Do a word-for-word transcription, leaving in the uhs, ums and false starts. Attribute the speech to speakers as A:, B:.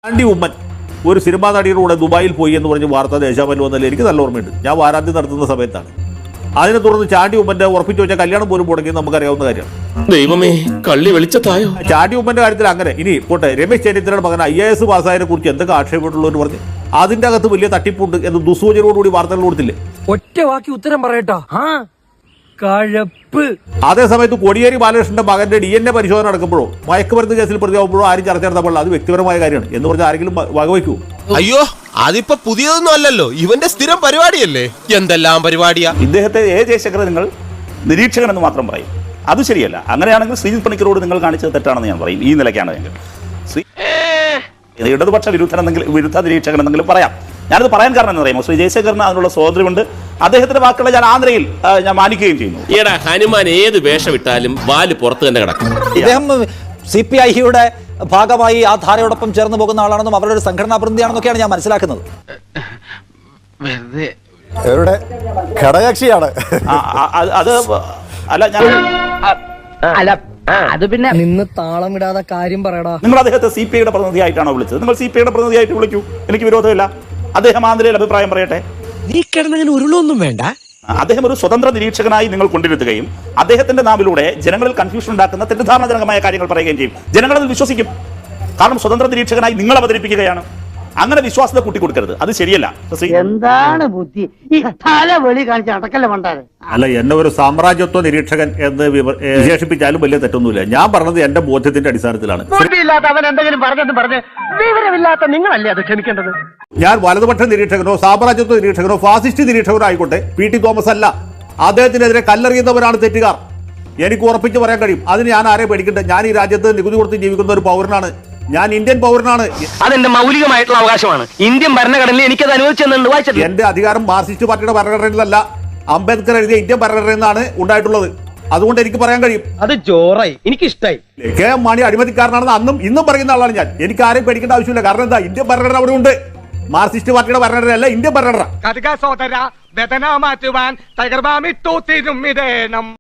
A: ചാണ്ടി ഉമ്മൻ ഒരു സിനിമാ നടിയുടെ കൂടെ ദുബായിൽ പോയി എന്ന് പറഞ്ഞ് വാർത്ത ദേശാമൽ വന്നതിൽ എനിക്ക് നല്ല ഓർമ്മയുണ്ട്. ഞാൻ വാരാന്തി നടത്തുന്ന സമയത്താണ്. അതിനെ തുടർന്ന് ചാണ്ടി ഉമ്മന്റെ ഉറപ്പിച്ചു വെച്ച കല്യാണം പോലും മുടങ്ങിയത് നമുക്കറിയാവുന്ന കാര്യമാണ്.
B: ദൈവമേ, കള്ളി വെളിച്ചത്തായോ.
A: ചാണ്ടി ഉമ്മന്റെ കാര്യത്തിൽ അങ്ങനെ. ഇനി പോട്ടെ, രമേശ് ചെന്നിത്തലയുടെ മകൻ ഐ എ എസ് പാസ്സായതിനെ കുറിച്ച് എന്തൊക്കെ ആക്ഷേപമുള്ളവർ പറഞ്ഞ് അതിന്റെ അകത്ത് വലിയ തട്ടിപ്പുണ്ട് എന്ന് ദുസ്സൂചനയോടുകൂടി വാർത്തകൾ കൊടുത്തില്ലേ?
C: ഒറ്റ വാക്കി ഉത്തരം പറയട്ടോ. കഴപ്പ്.
A: അതേ സമയത്ത് കോടിയേരി ബാലകൃഷ്ണന്റെ മകന്റെ ഡി എൻ എ പരിശോധന നടക്കുമ്പോഴോ മയക്കുമരുന്ന് കേസിൽ പ്രതിയാകുമ്പോഴോ ആരും ചർച്ച നടത്താൻ അത് വ്യക്തിപരമായ കാര്യമാണ് എന്ന് പറഞ്ഞാൽ ആരെങ്കിലും വകവയ്ക്കൂ?
D: അയ്യോ, അതിപ്പോ പുതിയതൊന്നും അല്ലല്ലോ, ഇവന്റെ സ്ഥിരം പരിപാടിയല്ലേ. എന്തെല്ലാം പരിപാടിയാ.
E: ഇദ്ദേഹത്തെ എ ജയശങ്കർ നിങ്ങൾ നിരീക്ഷകൻ എന്ന് മാത്രം പറയും. അത് ശരിയല്ല. അങ്ങനെയാണെങ്കിൽ ശ്രീജിത് പണിക്കരോട് നിങ്ങൾ കാണിച്ചത് തെറ്റാണെന്ന് ഞാൻ പറയും. ഈ നിലയ്ക്കാണെങ്കിൽ ശ്രീ ഇടതുപക്ഷ വിരുദ്ധനെന്നെങ്കിലും വിരുദ്ധ നിരീക്ഷകൻ എന്തെങ്കിലും പറയാം. ഞാനത് പറയാൻ കാരണം എന്ന് പറയുമ്പോൾ ശ്രീ ജയശങ്കറിന് അതിനുള്ള സ്വാതന്ത്ര്യമുണ്ട്. അദ്ദേഹത്തിന്റെ വാക്കുകളെ ഞാൻ ആന്ധ്രയിൽ ഞാൻ മാനിക്കുകയും ചെയ്യുന്നു.
B: ഈടാ ഹനുമാൻ ഏത് വേഷം ഇട്ടാലും വാല് പുറത്ത് തന്നെ കിടക്കും.
F: ഇദ്ദേഹം സി പി ഐയുടെ ഭാഗമായി ആ ധാരയോടൊപ്പം ചേർന്ന് പോകുന്ന ആളാണെന്നും അവരുടെ ഒരു സംഘടനാ പ്രതിനിധിയാണെന്നൊക്കെയാണ് ഞാൻ മനസ്സിലാക്കുന്നത്.
G: ഘടകകക്ഷിയാണ്
E: അത്. അല്ല, ഞാൻ
C: അല്ല അത് പിന്നെ നിന്ന് താളം ഇടാതെ കാര്യം പറയടാ.
E: നിങ്ങൾ അദ്ദേഹത്തെ സി പി ഐയുടെ പ്രതിനിധിയായിട്ടാണോ വിളിച്ചത്? നിങ്ങൾ സി പി ഐയുടെ പ്രതിനിധിയായിട്ട് വിളിക്കൂ, എനിക്ക് വിരോധമില്ല. അദ്ദേഹം ആന്ധ്രയിൽ അഭിപ്രായം പറയട്ടെ.
D: നീ കിടന്നങ്ങനെ ഉരുളൊന്നും വേണ്ട.
E: അദ്ദേഹം ഒരു സ്വതന്ത്ര നിരീക്ഷകനായി നിങ്ങൾ കൊണ്ടിരുത്തുകയും അദ്ദേഹത്തിന്റെ നാവിലൂടെ ജനങ്ങളിൽ കൺഫ്യൂഷൻ ഉണ്ടാക്കുന്ന തെറ്റിദ്ധാരണജനകമായ കാര്യങ്ങൾ പറയുകയും ചെയ്യും. ജനങ്ങളത് വിശ്വസിക്കും. കാരണം സ്വതന്ത്ര നിരീക്ഷകനായി നിങ്ങൾ അവതരിപ്പിക്കുകയാണ്. അങ്ങനെ വിശ്വാസത്തെ കൂട്ടിക്കൊടുക്കരുത്, അത് ശരിയല്ല.
H: എന്താണ് ബുദ്ധി ഈ തല വെളി കാണിച്ച് അടക്കല്ല പണ്ടാരെ.
A: അല്ല, എന്നെ ഒരു സാമ്രാജ്യത്വ നിരീക്ഷകൻ എന്ന് വിശേഷിപ്പിച്ചാലും വലിയ തെറ്റൊന്നുമില്ല. ഞാൻ പറഞ്ഞത് എന്റെ ബോധ്യത്തിന്റെ അടിസ്ഥാനത്തിലാണ്.
H: അവൻ എന്തെങ്കിലും പറഞ്ഞെന്ന് പറഞ്ഞ് വിവരമില്ലാത്ത നിങ്ങളല്ലേ അത് ക്ഷമിക്കേണ്ടത്.
A: ഞാൻ വലതുപക്ഷ നിരീക്ഷകനോ സാമ്രാജ്യത്വ നിരീക്ഷകനോ ഫാസിസ്റ്റ് നിരീക്ഷകനോ ആയിക്കോട്ടെ, പി ടി തോമസ് അല്ല. അദ്ദേഹത്തിനെതിരെ കല്ലെറിയുന്നവരാണ് തെറ്റുകാർ. എനിക്ക് ഉറപ്പിച്ച് പറയാൻ കഴിയും. അതിന് ഞാൻ ആരെ പേടിക്കട്ടെ? ഞാൻ ഈ രാജ്യത്ത് നികുതി കൊടുത്ത് ജീവിക്കുന്ന ഒരു പൗരനാണ്. ഞാൻ ഇന്ത്യൻ പൗരനാണ്.
C: അതെന്റെ മൗലികമായിട്ടുള്ള അവകാശമാണ്. ഇന്ത്യൻ ഭരണഘടനയിൽ എനിക്കത് അനുവദിച്ചെന്നുണ്ട്. വായിച്ചത്
A: എന്റെ അധികാരം മാർക്സിസ്റ്റ് പാർട്ടിയുടെ ഭരണഘടനയിലല്ല, അംബേദ്കർ എഴുതിയ ഇന്ത്യൻ ഭരണഘടനയിൽ നിന്നാണ് ഉണ്ടായിട്ടുള്ളത്. അതുകൊണ്ട് എനിക്ക് പറയാൻ കഴിയും.
C: അത് ജോറായി, എനിക്കിഷ്ടായി.
A: കെ എം മാണി അഴിമതിക്കാരനാണെന്ന് അന്നും ഇന്നും പറയുന്ന ആളാണ് ഞാൻ. എനിക്ക് ആരെയും പേടിക്കേണ്ട ആവശ്യമില്ല. കാരണം എന്താ, ഇന്ത്യൻ ഭരണഘടന അവിടെ ഉണ്ട്. മാർക്സിസ്റ്റ് പാർട്ടിയുടെ ഭരണഘടനയല്ല, ഇന്ത്യൻ ഭരണഘടന.
C: സോദര വേദന മാറ്റുവാൻ ടൈഗർ ബാമിട്ടു തിരുമിതേനം.